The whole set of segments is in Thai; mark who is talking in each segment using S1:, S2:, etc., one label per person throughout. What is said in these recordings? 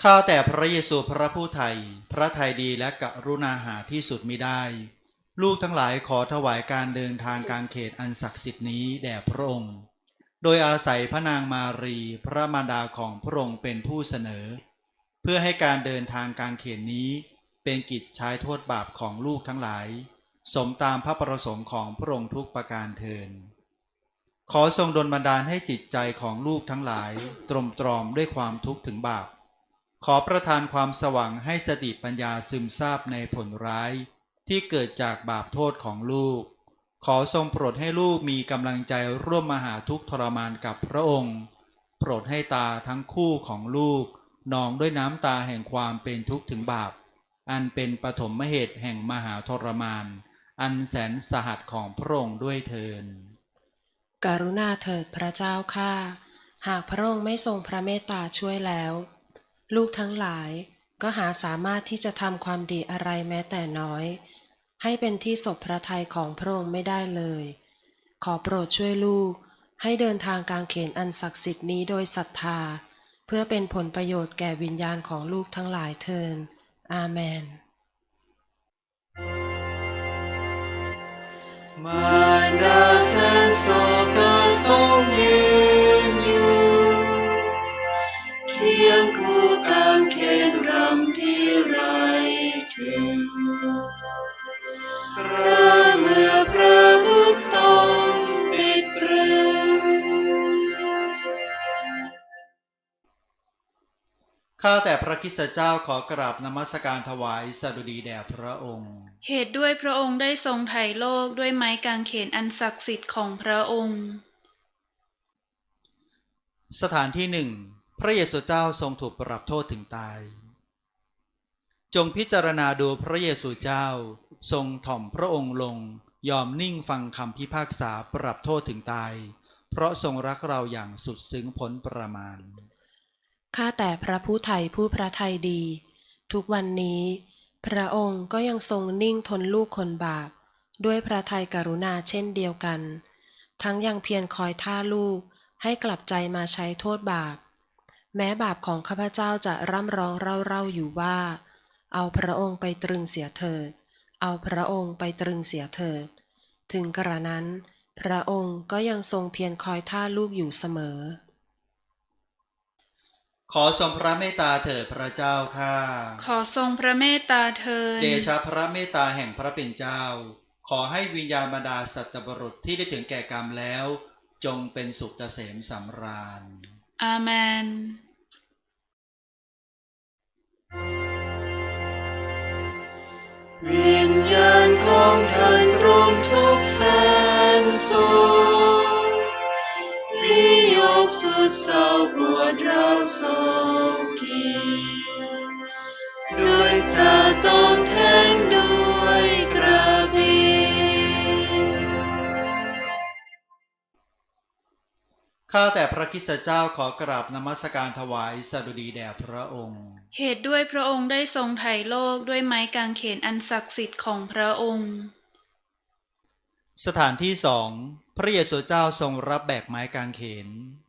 S1: ข้าแต่พระเยซูพระผู้ไถ่พระทัยดีและกรุณาหาที่สุดมิได้ลูกทั้งหลายขอถวายการเดินทางกลางเขตอันศักดิ์สิทธิ์นี้แด่พระองค์โดยอาศัยพระนางมารีพระมารดาของพระองค์เป็นผู้เสนอเพื่อให้การเดินทางกลางเขตนี้เป็นกิจใช้โทษบาปของลูกทั้งหลายสมตามพระประสงค์ของพระองค์ทุกประการเทินขอทรงดลบันดาลให้จิตใจของลูกทั้งหลายตรมตรอมด้วยความทุกข์ถึงบาปขอประทานความสว่างให้สติปัญญาซึมซาบในผลร้ายที่เกิดจากบาปโทษของลูกขอทรงโปรดให้ลูกมีกำลังใจร่วมมหาทุกข์ทรมานกับพระองค์โปรดให้ตาทั้งคู่ของลูกนองด้วยน้ำตาแห่งความเป็นทุกข์ถึงบาปอันเป็นปฐมเหตุแห่งมหาทรมานอันแสนสหัสของพระองค์ด้วยเทิน
S2: กรุณาเถิดพระเจ้าข้าหากพระองค์ไม่ทรงพระเมตตาช่วยแล้วลูกทั้งหลายก็หาสามารถที่จะทำความดีอะไรแม้แต่น้อยให้เป็นที่สบพระทัยของพระองค์ไม่ได้เลยขอโปรดช่วยลูกให้เดินทางกลางเขนอันศักดิ์สิทธิ์นี้โดยศรัทธาเพื่อเป็นผลประโยชน์แก่วิญญาณของลูกทั้งหลายเทินอาเมน
S3: มารดาแสนโศกทรงยืนอยู่เคียงคู่กางเขนรำที่ไรถึงพระเมื่อพระบุตรต้องติดตรึง
S1: ข้าแต่พระคริสตเจ้าขอกราบนมัสการถวายสดุดีแด่พระองค์
S4: เหตุด้วยพระองค์ได้ทรงไถ่โลกด้วยไม้กางเขนอันศักดิ์สิทธิ์ของพระองค์
S1: สถานที่หนึ่งพระเยซูเจ้าทรงถูกปรับโทษถึงตายจงพิจารณาดูพระเยซูเจ้าทรงถ่อมพระองค์ลงยอมนิ่งฟังคำพิพากษาปรับโทษถึงตายเพราะทรงรักเราอย่างสุดซึ้งพ้นประมาณ
S2: ข้าแต่พระผู้ไถ่ผู้พระทัยดีทุกวันนี้พระองค์ก็ยังทรงนิ่งทนลูกคนบาปด้วยพระทัยกรุณาเช่นเดียวกันทั้งยังเพียรคอยท่าลูกให้กลับใจมาใช้โทษบาปแม้บาปของข้าพเจ้าจะร่ำร้องเร่าๆอยู่ว่าเอาพระองค์ไปตรึงเสียเถิดเอาพระองค์ไปตรึงเสียเถิดถึงกระนั้นพระองค์ก็ยังทรงเพียรคอยท่าลูกอยู่เสมอ
S1: ขอทรงพระเมตตาเถิดพระเจ้าข้า
S4: ขอทรงพระเมตตาเถิด
S1: เดชะพระเมตตาแห่งพระเป็นเจ้าขอให้วิญญาณบรรดาสัตว์บุรุษที่ได้ถึงแก่กรรมแล้วจงเป็นสุขเกษมสำราญ
S4: อาเมน
S3: วิญญาณของท่านตรมทุกแสนโศกวิโยคสุดเศร้าปวดร้าวโศกีด้วยจะต้องแทงด้วยกระบี่
S1: ข้าแต่พระคริสตเจ้าขอกราบนมัสการถวายสดุดีแด่พระองค์
S4: เหตุด้วยพระองค์ได้ทรงไถ่โลกด้วยไม้กางเขนอันศักดิ์สิทธิ์ของพระองค์
S1: สถานที่สองพระเยซูเจ้าทรงรับแบกไม้กางเขน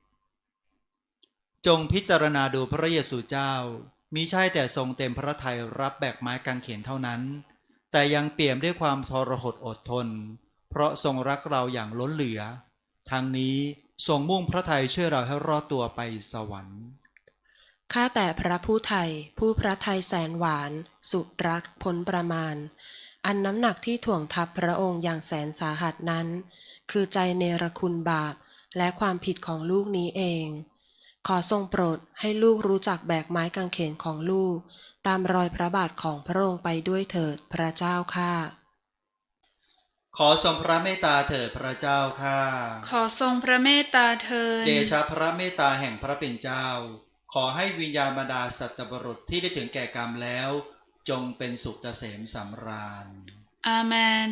S1: จงพิจารณาดูพระเยซูเจ้ามิใช่แต่ทรงเต็มพระทัยรับแบกไม้กางเขนเท่านั้นแต่ยังเปี่ยมด้วยความทรหดอดทนเพราะทรงรักเราอย่างล้นเหลือทั้งนี้ทรงมุ่งพระทัยช่วยเราให้รอดตัวไปสวรรค์
S2: ข้าแต่พระผู้ไถ่ผู้พระทัยแสนหวานสุดรักพ้นประมาณอันน้ำหนักที่ถ่วงทับพระองค์อย่างแสนสาหัสนั้นคือใจเนรคุณบาปและความผิดของลูกนี้เองขอทรงโปรดให้ลูกรู้จักแบกไม้กางเขนของลูกตามรอยพระบาทของพระองค์ไปด้วยเถิดพระเจ้าข้า
S1: ขอทรงพระเมตตาเถิดพระเจ้าข้า
S4: ขอทรงพระเมตตาเถิด
S1: เดชะพระเมตตาแห่งพระเป็นเจ้าขอให้วิญญาณบรรดาสัตว์บุรุษที่ได้ถึงแก่กรรมแล้วจงเป็นสุขเกษมสำราญ
S4: อาเมน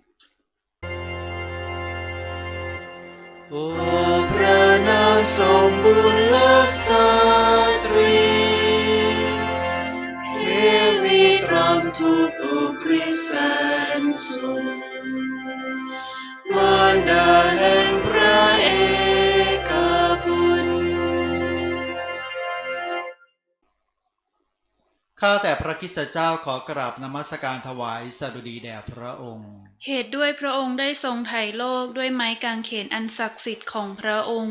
S3: โอ้พระนางสมบูรณ์และสตรีเทวีตรำทุกอุกฤษแสนสูงมารดาแห่งพระเอกบุตร
S1: ข้าแต่พระคริสตเจ้าขอกราบนมัสการถวายสดุดีแด่พระองค์
S4: เหตุด้วยพระองค์ได้ทรงไถ่โลกด้วยไม้กางเขนอันศักดิ์สิทธิ์ของพระองค์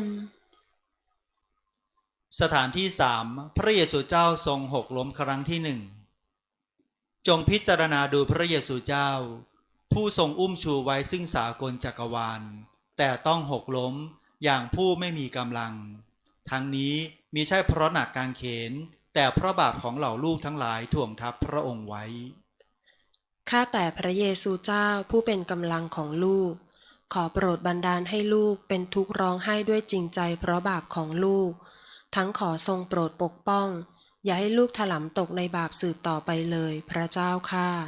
S1: สถานที่3พระเยซูเจ้าทรงหกล้มครั้งที่1จงพิจารณาดูพระเยซูเจ้าผู้ทรงอุ้มชูไว้ซึ่งสากลจักรวาลแต่ต้องหกล้มอย่างผู้ไม่มีกำลังทั้งนี้มิใช่เพราะหนักกางเขนแต่เพราะบาปของเหล่าลูกทั้งหลายถ่วงทับพระองค์ไว้
S2: ข้าแต่พระเยซูเจ้าผู้เป็นกำลังของลูกขอโปรดบันดาลให้ลูกเป็นทุกข์ร้องไห้ด้วยจริงใจเพราะบาปของลูกทั้งขอทรงโปรดปกป้องอย่าให้ลูกถลำตกในบาปสืบต่อไปเลยพระเจ้าข้า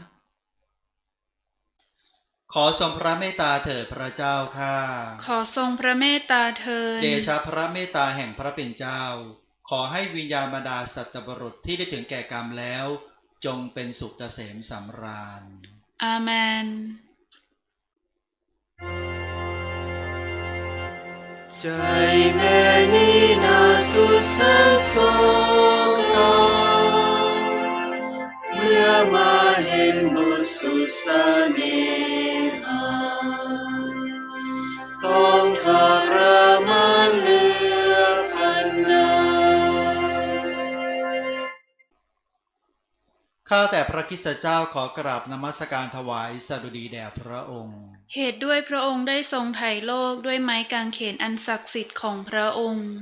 S1: ขอทรงพระเมตตาเถิดพระเจ้าข้า
S4: ขอทรงพระเมตตาเถิด
S1: เดชะพระเมตตาแห่งพระเป็นเจ้าขอให้วิญญาณบรรดาสัตว์บุรุษที่ได้ถึงแก่กรรมแล้วจงเป็นสุขเกษมสำราญ
S4: อาเมน
S3: ใจแม่นี้น่าสุดแสนโศกเศร้าเมื่อมาเห็นบุตรสุดเสน่หาต้องทรมานเหลือพันนา
S1: ข้าแต่พระคริสตเจ้าขอกราบนมัสการถวายสดุดีแด่พระองค์
S4: เหตุด้วยพระองค์ได้ทรงไถ่โลกด้วยไม้กางเขนอันศักดิ์สิทธิ์ของพระองค์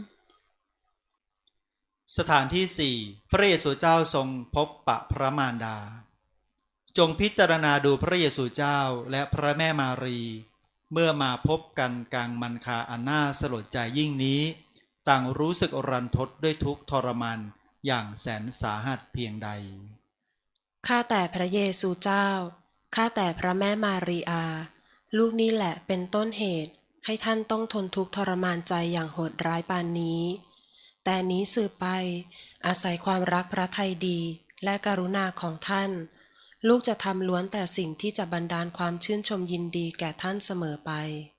S1: สถานที่4พระเยซูเจ้าทรงพบปะพระมารดาจงพิจารณาดูพระเยซูเจ้าและพระแม่มารีเมื่อมาพบกันกลางมันคาอันน่าสลดใจยิ่งนี้ต่างรู้สึกรันทดด้วยทุกข์ทรมานอย่างแสนสาหัสเพียงใด
S2: ข้าแต่พระเยซูเจ้าข้าแต่พระแม่มารีอาลูกนี่แหละเป็นต้นเหตุให้ท่านต้องทนทุกข์ทรมานใจอย่างโหดร้ายปานนี้แต่นี้สืบไปอาศัยความรักพระทัยดีและกรุณาของท่านลูกจะทำล้วนแต่สิ่งที่จะบันดาลความชื่นชมยินดีแก่ท่านเสมอไป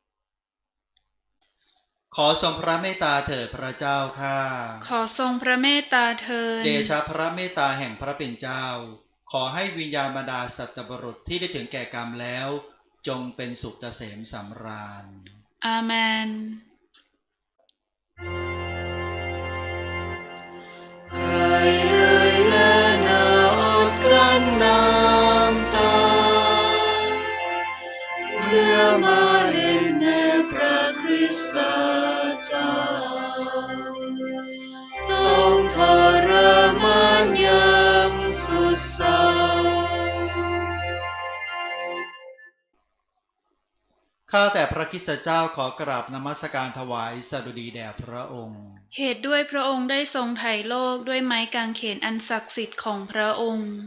S1: ขอทรงพระเมตตาเถิดพระเจ้าข้า
S4: ขอทรงพระเมตตาเถิด
S1: เดชะพระเมตตาแห่งพระเป็นเจ้าขอให้วิญญาณบรรดาสัตว์บุรุษที่ได้ถึงแก่กรรมแล้วจงเป็นสุขเกษมสำราญ
S4: อาเมน
S3: ใครเลยและน่าอดกลั้นน้ำตาเมื่อมาเห็นแด่พระคริสตเจ้าต้องทรมานอย่างสุดเศร้า
S1: ข้าแต่พระคริสตเจ้าขอกราบนมัสการถวายสดุดีแด่พระองค์
S4: เหตุด้วยพระองค์ได้ทรงไถ่โลกด้วยไม้กางเขนอันศักดิ์สิทธิ์ของพระองค์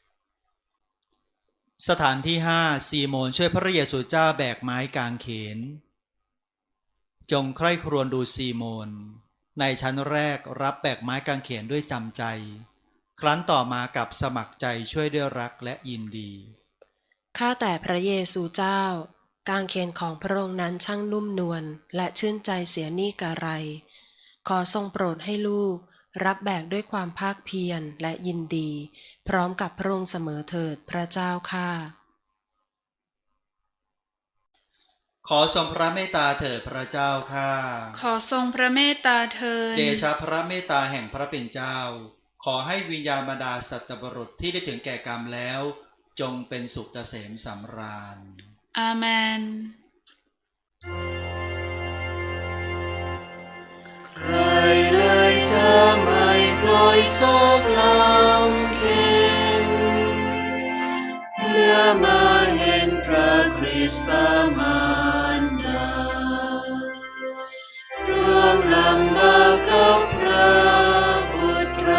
S1: สถานที่5ซีโมนช่วยพระเยซูเจ้าแบกไม้กางเขนจงใคร่ครวญดูซีโมนในชั้นแรกรับแบกไม้กางเขนด้วยจำใจครั้นต่อมากับสมัครใจช่วยด้วยรักและยินดี
S2: ข้าแต่พระเยซูเจ้ากางเขนของพระองค์นั้นช่างนุ่มนวลและชื่นใจเสียนี่กะไรขอทรงโปรดให้ลูกรับแบกด้วยความภาคเพียรและยินดีพร้อมกับพระองค์เสมอเถิดพระเจ้าข้า
S1: ขอทรงพระเมตตาเถิดพระเจ้าข้า
S4: ขอทรงพระเมตตาเถิด
S1: เดชะพระเมตตาแห่งพระเป็นเจ้าขอให้วิญญาณบรรดาสัตว์บุรุษที่ได้ถึงแก่กรรมแล้วจงเป็นสุขเกษมสำราญ
S4: อาเมน
S3: ใครเลยจะไม่ปล่อยโศกลำเค็ญเมื่อมาเห็นพระคริสต์มารดาร่วมลำบากกับพระบุตร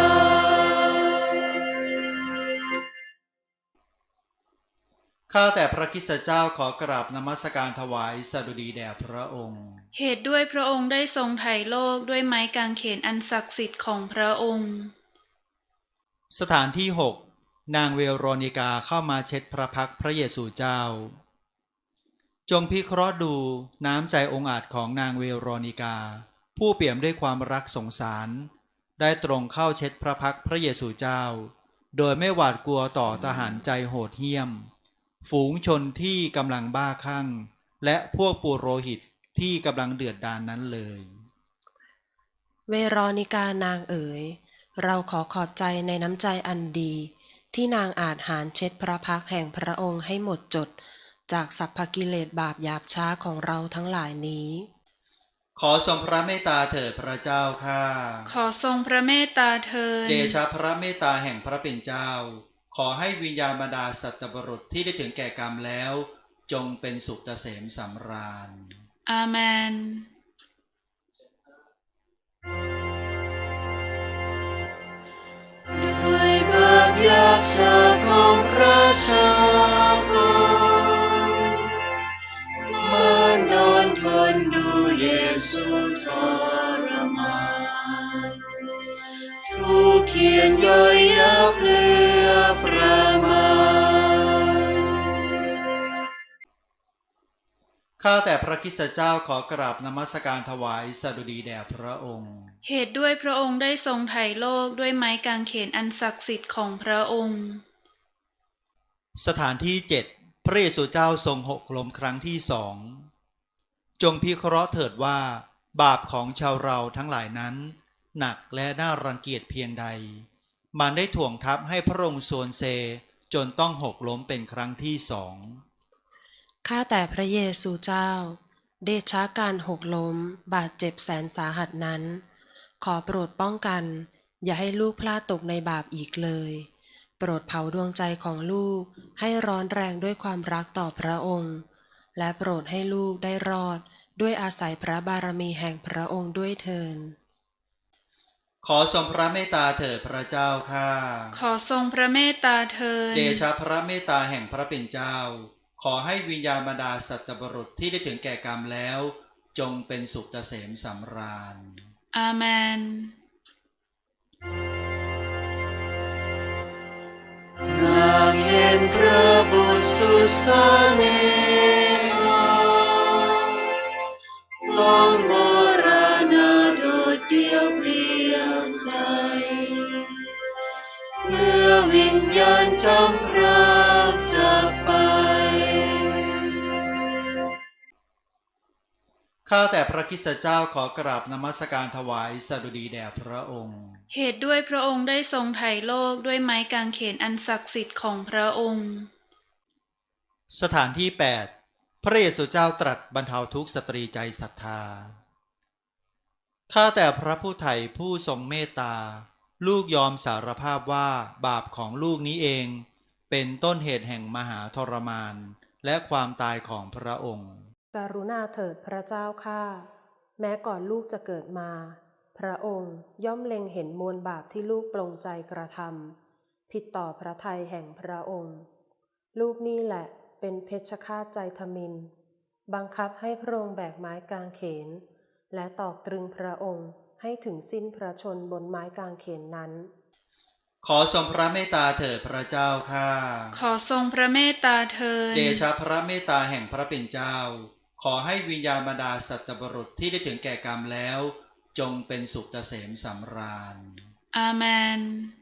S1: ข้าแต่พระคริสตเจ้าขอกราบนมัสการถวายสดุดีแด่พระองค์
S4: เหตุด้วยพระองค์ได้ทรงไถ่โลกด้วยไม้กางเขนอันศักดิ์สิทธิ์ของพระองค์
S1: สถานที่6นางเวโรนิกาเข้ามาเช็ดพระพักตร์พระเยซูเจ้าจงพิเคราะห์ดูน้ำใจองอาจของนางเวโรนิกาผู้เปี่ยมด้วยความรักสงสารได้ตรงเข้าเช็ดพระพักตร์พระเยซูเจ้าโดยไม่หวาดกลัวต่อทหารใจโหดเหี้ยมฝูงชนที่กำลังบ้าคลั่งและพวกปุโรหิตที่กำลังเดือดดาลนั้นเลย
S2: เวโรนิกานางเอ๋ยเราขอขอบใจในน้ำใจอันดีที่นางอาจหารเช็ดพระพักตร์แห่งพระองค์ให้หมดจดจากสัพพกิเลสบาปหยาบช้าของเราทั้งหลายนี้
S1: ขอทรงพระเมตตาเถิดพระเจ้าข้า
S4: ขอทรงพระเมตตาเถิด
S1: เดชะพระเมตตาแห่งพระเป็นเจ้าขอให้วิญญาณบรรดาสัตว์บุรุษที่ได้ถึงแก่กรรมแล้วจงเป็นสุขเกษมสำราญ
S4: อาเมน
S3: ด้วยบาปหยาบช้าของราชากรมานอนทนดูเยซูทรมานทุกเขียนย่อยยับเหลือประมาณ
S1: ข้าแต่พระคริสตเจ้าขอกราบนมัสการถวายสดุดีแด่พระองค์
S4: เหตุด้วยพระองค์ได้ทรงไถ่โลกด้วยไม้กางเขนอันศักดิ์สิทธิ์ของพระองค์
S1: สถานที่ 7 พระเยซูเจ้าทรงหกล้มครั้งที่สองจงพิเคราะห์เถิดว่าบาปของชาวเราทั้งหลายนั้นหนักและน่ารังเกียจเพียงใดมันได้ถ่วงทับให้พระองค์โซนเซจนต้องหกล้มเป็นครั้งที่สอง
S2: ข้าแต่พระเยซูเจ้าเดชะการหกล้มบาดเจ็บแสนสาหัสนั้นขอโปรดป้องกันอย่าให้ลูกพลาดตกในบาปอีกเลยโปรดเผาดวงใจของลูกให้ร้อนแรงด้วยความรักต่อพระองค์และโปรดให้ลูกได้รอดด้วยอาศัยพระบารมีแห่งพระองค์ด้วยเถิด
S1: ขอทรงพระเมตตาเถิดพระเจ้าข้า
S4: ขอทรงพระเมตตาเถิด
S1: เดชะพระเมตตาแห่งพระเป็นเจ้าขอให้วิญญาณบรรดาสัตว์บุรุษที่ได้ถึงแก่กรรมแล้วจงเป็นสุขเกษมสำราญ
S4: อาเมน
S3: นางเห็นพระบุตรสุสานเนหาลองมรณะโดดเดี่ยวเปลี่ยวใจ เมื่อวิญญาณจำพรากจากไป
S1: ข้าแต่พระคริสตเจ้าขอกราบนมัสการถวายสดุดีแด่พระองค์
S4: เหตุด้วยพระองค์ได้ทรงไถ่โลกด้วยไม้กางเขนอันศักดิ์สิทธิ์ของพระองค์
S1: สถานที่ 8 พระเยซูเจ้าตรัสบรรเทาทุกข์สตรีใจศรัทธา ข้าแต่พระผู้ไถ่ผู้ทรงเมตตาลูกยอมสารภาพว่าบาปของลูกนี้เองเป็นต้นเหตุแห่งมหาทรมานและความตายของพระองค์
S2: กรุณาเถิดพระเจ้าข้าแม้ก่อนลูกจะเกิดมาพระองค์ย่อมเล็งเห็นมวลบาปที่ลูกปลงใจกระทำผิดต่อพระทัยแห่งพระองค์ ลูกนี่แหละเป็นเพชฌฆาตใจทมิฬบังคับให้พระองค์แบกไม้กางเขนและตอกตรึงพระองค์ให้ถึงสิ้นพระชนม์บนไม้กางเขนนั้น
S1: ขอทรงพระเมตตาเถิดพระเจ้าข้า
S4: ขอทรงพระเมตตาเถิด
S1: เดชะพระเมตตาแห่งพระเป็นเจ้าขอให้วิญญาณบรรดาสัตว์บุรุษที่ได้ถึงแก่กรรมแล้วจงเป็นสุขเกษมสำราญ
S4: อาเมน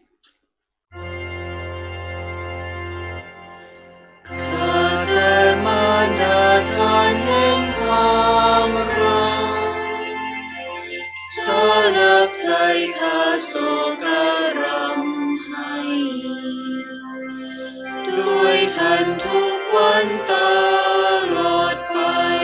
S3: ข้าแต่มารดาทานแห่งความรักสลักใจข้าโศการำให้ ด้วยท่านทุกวันตลอดไป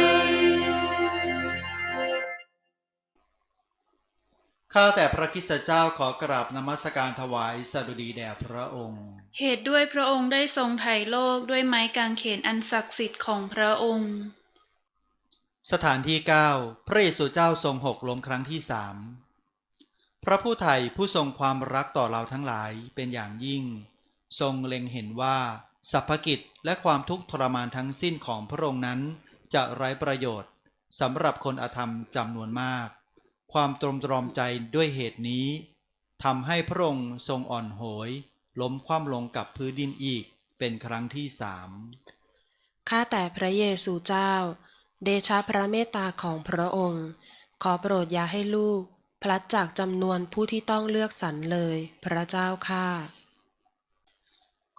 S1: ข้าแต่พระคริสตเจ้าขอกราบนมัสการถวายสดุดีแด่พระองค์
S4: เหตุด้วยพระองค์ได้ทรงไถ่โลกด้วยไม้กางเขนอันศักดิ์สิทธิ์ของพระองค์
S1: สถานที่ 9 พระเยซูเจ้าทรงหกล้มครั้งที่สามพระผู้ไถ่ผู้ทรงความรักต่อเราทั้งหลายเป็นอย่างยิ่ง ทรงเล็งเห็นว่าสรรพกิจและความทุกข์ทรมานทั้งสิ้นของพระองค์นั้นจะไร้ประโยชน์สำหรับคนอธรรมจำนวนมาก ความตรมตรอมใจด้วยเหตุนี้ทำให้พระองค์ทรงอ่อนโหยล้มคว่ำลงกับพื้นดินอีกเป็นครั้งที่สาม
S2: ข้าแต่พระเยซูเจ้าเดชะพระเมตตาของพระองค์ขอโปรดอย่าให้ลูกพลัดจากจำนวนผู้ที่ต้องเลือกสรรเลยพระเจ้าข้า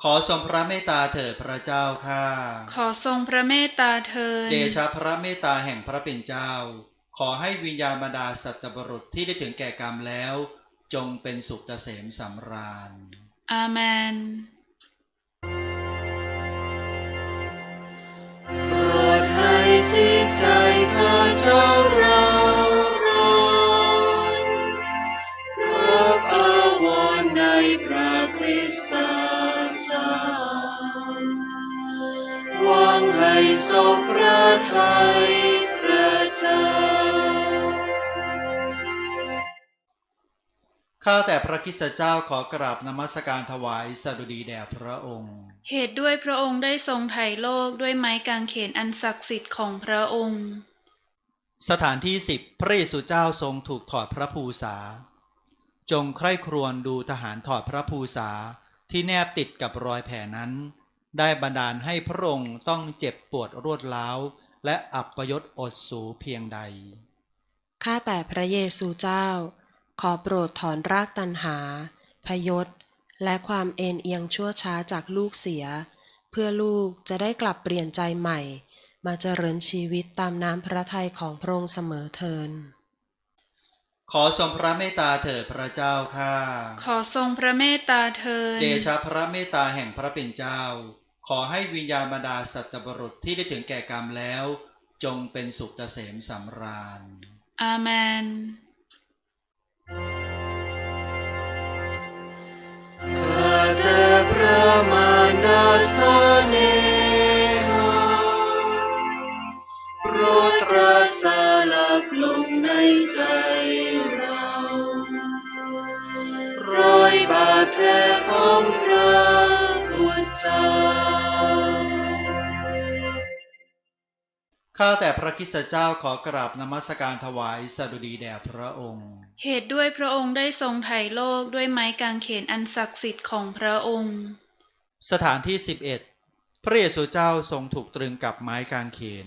S1: ขอทรงพระเมตตาเถิดพระเจ้าข้า
S4: ขอทรงพระเมตตาเถิด
S1: เดชะพระเมตตาแห่งพระเป็นเจ้าขอให้วิญญาณบรรดาสัตว์บุรุษที่ได้ถึงแก่กรรมแล้วจงเป็นสุขเกษมสำราญ
S4: อาเมน
S3: โปรดให้จิตใจข้าเจ้าเราร้อนรักอาวรณ์ในพระคริสตเจ้าหวังให้ทรงพระทัยพระเจ้า
S1: ข้าแต่พระคริสตเจ้าขอกราบนมัสการถวายสดุดีแด่พระองค์
S4: เหตุด้วยพระองค์ได้ทรงไถ่โลกด้วยไม้กางเขนอันศักดิ์สิทธิ์ของพระองค์
S1: สถานที่10พระเยซูเจ้าทรงถูกถอดพระภูษาจงใคร่ครวญดูทหารถอดพระภูษาที่แนบติดกับรอยแผลนั้นได้บันดาลให้พระองค์ต้องเจ็บปวดรวดร้าวและอัปยศอดสูเพียงใด
S2: ข้าแต่พระเยซูเจ้าขอโปรดถอนรากตัณหาพยศและความเอ็นเอียงชั่วช้าจากลูกเสียเพื่อลูกจะได้กลับเปลี่ยนใจใหม่มาเจริญชีวิตตามน้ำพระทัยของพระองค์เสมอเทิน
S1: ขอทรงพระเมตตาเถิดพระเจ้าข้า
S4: ขอทรงพระเมตตาเถิด
S1: เดชะพระเมตตาแห่งพระเป็นเจ้าขอให้วิญญาณบรรดาสัตว์บุรุษที่ได้ถึงแก่กรรมแล้วจงเป็นสุขเกษมสำราญ
S4: อาเมน
S3: ข้าแต่พระมารดาเสน่หาโปรดรักษาหลักลงในใจเรารอยบาดแผลของพระบุตรเจ้า
S1: ข้าแต่พระคริสตเจ้าขอกราบนมัสการถวายสดุดีแด่พระองค์
S4: เหตุด้วยพระองค์ได้ทรงไถ่โลกด้วยไม้กางเขนอันศักดิ์สิทธิ์ของพระองค์
S1: สถานที่11พระเยซูเจ้าทรงถูกตรึงกับไม้กางเขน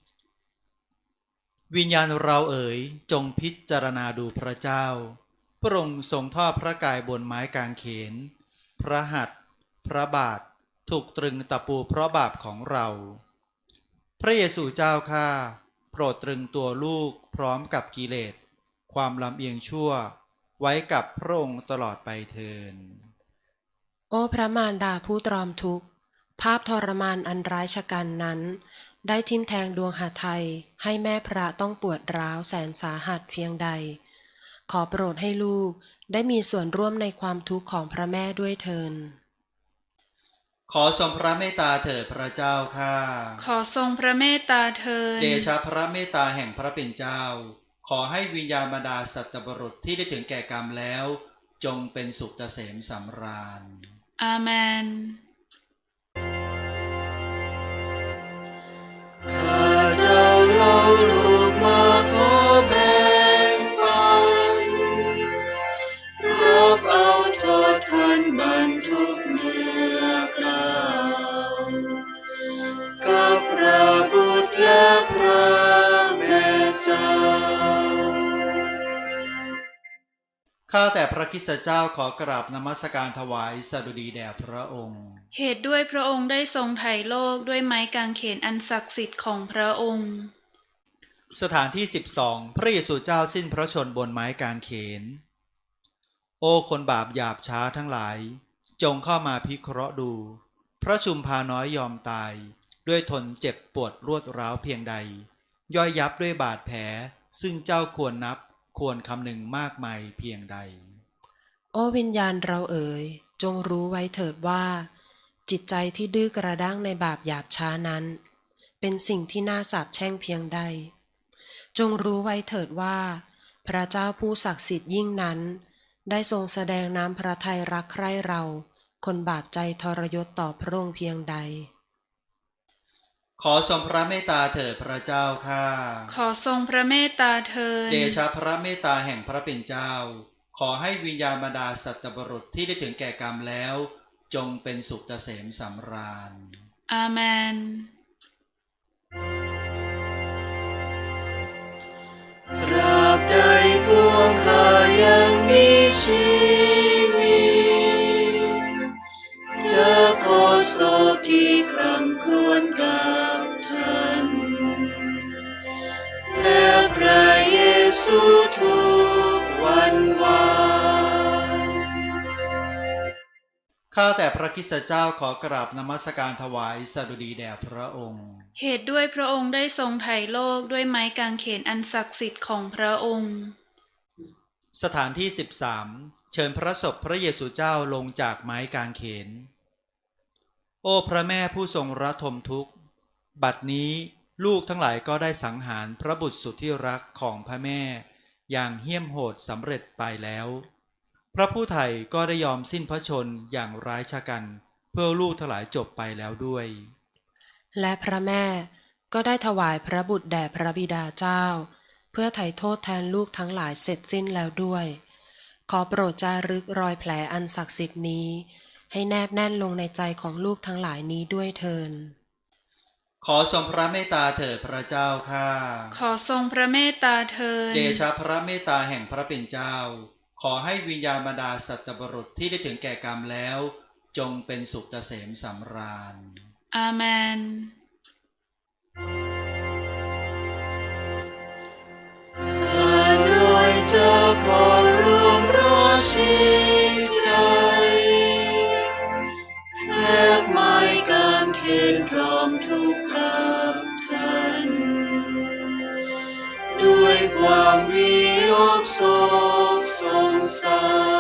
S1: วิญญาณเราเอ๋ยจงพิจารณาดูพระเจ้าพระองค์ทรงทอดพระกายบนไม้กางเขนพระหัตถ์พระบาทถูกตรึงตะปูเพราะบาปของเราพระเยซูเจ้าข้าโปรดตรึงตัวลูกพร้อมกับกิเลสความลำเอียงชั่วไว้กับพระองค์ตลอดไปเทิน
S2: โอ้พระมารดาผู้ตรอมทุกข์ภาพทรมานอันร้ายชะกันนั้นได้ทิ่มแทงดวงหฤทัยให้แม่พระต้องปวดร้าวแสนสาหัสเพียงใดขอโปรดให้ลูกได้มีส่วนร่วมในความทุกข์ของพระแม่ด้วยเทิน
S1: ขอทรงพระเมตตาเถิดพระเจ้าข้า
S4: ขอทรงพระเมตตาเถิด
S1: เดชะพระเมตตาแห่งพระเป็นเจ้าขอให้วิญญาณบรรดาสัตว์บุรุษที่ได้ถึงแก่กรรมแล้วจงเป็นสุขเกษมสำราญ
S4: อาเมน
S3: ข้าเจ้าเล่าลูกมาขอแบ่งปันรับเอาโทษทันบรรทุกเนื้อกล่าวกับพระบุตรและพระแม่เจ้า
S1: ข้าแต่พระคริสตเจ้าขอกราบนมัสการถวายสดุดีแด่พระองค์
S4: เหตุด้วยพระองค์ได้ทรงไถ่โลกด้วยไม้กางเขนอันศักดิ์สิทธิ์ของพระองค์
S1: สถานที่12พระเยซูเจ้าสิ้นพระชนม์บนไม้กางเขนโอ้คนบาปหยาบช้าทั้งหลายจงเข้ามาพิเคราะห์ดูพระชุมพาน้อยยอมตายด้วยทนเจ็บปวดรวดร้าวเพียงใดย่อยยับด้วยบาดแผลซึ่งเจ้าควรนับควรคำนึงมากมายเพียงใด
S2: โอ้วิญญาณเราเอ๋ยจงรู้ไว้เถิดว่าจิตใจที่ดื้อกระด้างในบาปหยาบช้านั้นเป็นสิ่งที่น่าสาปแช่งเพียงใดจงรู้ไว้เถิดว่าพระเจ้าผู้ศักดิ์สิทธิ์ยิ่งนั้นได้ทรงแสดงน้ำพระทัยรักใคร่เราคนบาปใจทรยศต่อพระองค์เพียงใด
S1: ขอทรงพระเมตตาเถิดพระเจ้าข้า
S4: ขอทรงพระเมตตาเถิด
S1: เดชะพระเมตตาแห่งพระเป็นเจ้าขอให้วิญญาณบรรดาสัตว์บุรุษที่ได้ถึงแก่กรรมแล้วจงเป็นสุขเกษมสำราญ
S4: อาเมน
S3: ตราบใดพวกข้ายังมีชีวิตจะขอสู่ทุกวันวาน
S1: ข้าแต่พระคริสตเจ้าขอกราบนมัสการถวายสดุดีแด่พระองค์
S4: เหตุด้วยพระองค์ได้ทรงไถ่โลกด้วยไม้กางเขนอันศักดิ์สิทธิ์ของพระองค์
S1: สถานที่ 13 เชิญพระศพพระเยซูเจ้าลงจากไม้กางเขน โอ้พระแม่ผู้ทรงระทมทุกข์ บัดนี้ลูกทั้งหลายก็ได้สังหารพระบุตรสุดที่รักของพระแม่อย่างเหี้ยมโหดสำเร็จไปแล้ว พระผู้ไถ่ก็ได้ยอมสิ้นพระชนม์อย่างร้ายชะกันเพื่อลูกทั้งหลายจบไปแล้วด้วย
S2: และพระแม่ก็ได้ถวายพระบุตรแด่พระบิดาเจ้า เพื่อไถ่โทษแทนลูกทั้งหลายเสร็จสิ้นแล้วด้วย ขอโปรดจารึกรอยแผลอันศักดิ์สิทธิ์นี้ ให้แนบแน่นลงในใจของลูกทั้งหลายนี้ด้วยเทิน
S1: ขอทรงพระเมตตาเถิดพระเจ้าข้า
S4: ขอทรงพระเมตตาเถิด
S1: เดชะพระเมตตาแห่งพระเป็นเจ้า ขอให้วิญญาณบรรดาสัตว์บุรุษที่ได้ถึงแก่กรรมแล้ว จงเป็นสุขเกษมสำราญ
S4: อาเมน
S3: ข้าน้อยจะขอร่วมรอชิดไกลแลกไม้กางเขนพร้อมทุกข์กับท่าน ด้วยความวิโยกโศกสงสาร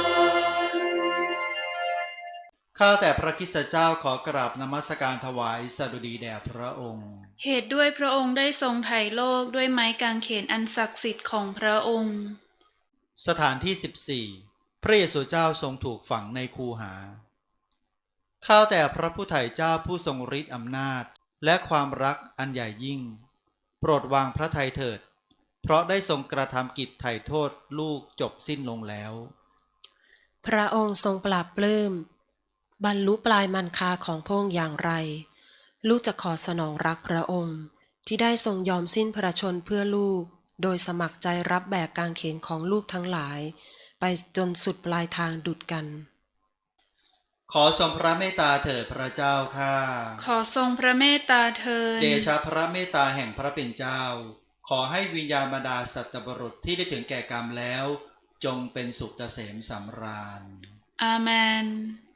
S1: ข้าแต่พระคริสตเจ้าขอกราบนมัสการถวายสดุดีแด่พระองค์
S4: เหตุด้วยพระองค์ได้ทรงไถ่โลกด้วยไม้กางเขนอันศักดิ์สิทธิ์ของพระองค์
S1: สถานที่ 14 พระเยซูเจ้าทรงถูกฝังในคูหา ข้าแต่พระผู้ไถ่เจ้าผู้ทรงฤทธิ์อำนาจและความรักอันใหญ่ยิ่ง โปรดวางพระทัยเถิด เพราะได้ทรงกระทำกิจไถ่โทษลูกจบสิ้นลงแล้ว
S2: พระองค์ทรงปราบปลื้มบรรลุปลายมันคาของพระองค์อย่างไร ลูกจะขอสนองรักพระองค์ที่ได้ทรงยอมสิ้นพระชนม์เพื่อลูก โดยสมัครใจรับแบกกางเขนของลูกทั้งหลาย ไปจนสุดปลายทางดุจกัน
S1: ขอทรงพระเมตตาเถิดพระเจ้าข้า
S4: ขอทรงพระเมตตาเถิด
S1: เดชะพระเมตตาแห่งพระเป็นเจ้า ขอให้วิญญาณบรรดาสัตว์บุรุษที่ได้ถึงแก่กรรมแล้ว จงเป็นสุขเกษมสำราญ
S4: อาเมน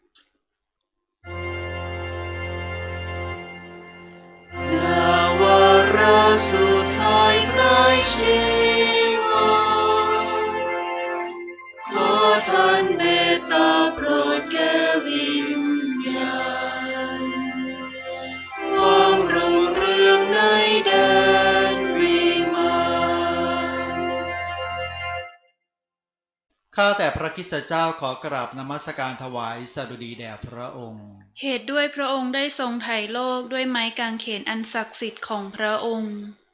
S3: นาวาระสุดท้ายปลายชีวาขอท่านเมตตาโปรดแก่วิญญาณความรุ่งเรืองในแดนวิมาน
S1: ข้าแต่พระคริสตเจ้าขอกราบนมัสการถวายสดุดีแด่พระองค์
S4: เหตุด้วยพระองค์ได้ทรงไถ่โลกด้วยไม้กางเขนอันศักดิ์สิทธิ์ของพระองค์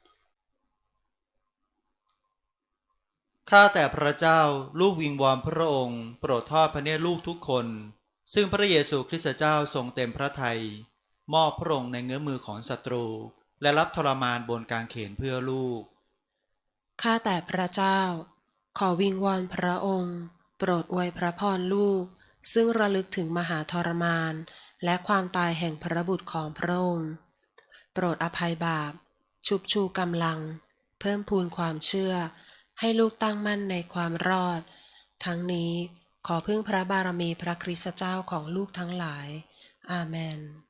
S1: ข้าแต่พระเจ้าลูกวิงวอนพระองค์โปรดทอดพระเนตรลูกทุกคน ซึ่งพระเยซูคริสต์เจ้าทรงเต็มพระทัยมอบพระองค์ในเงื้อมือของศัตรู และรับทรมานบนกางเขนเพื่อลูก
S2: ข้าแต่พระเจ้า ขอวิงวอนพระองค์ โปรดอวยพระพรลูก ซึ่งระลึกถึงมหาทรมาน และความตายแห่งพระบุตรของพระองค์ โปรดอภัยบาป ชุบชูกำลัง เพิ่มพูนความเชื่อ ให้ลูกตั้งมั่นในความรอด ทั้งนี้ขอพึ่งพระบารมีพระคริสตเจ้าของลูกทั้งหลาย อาเมน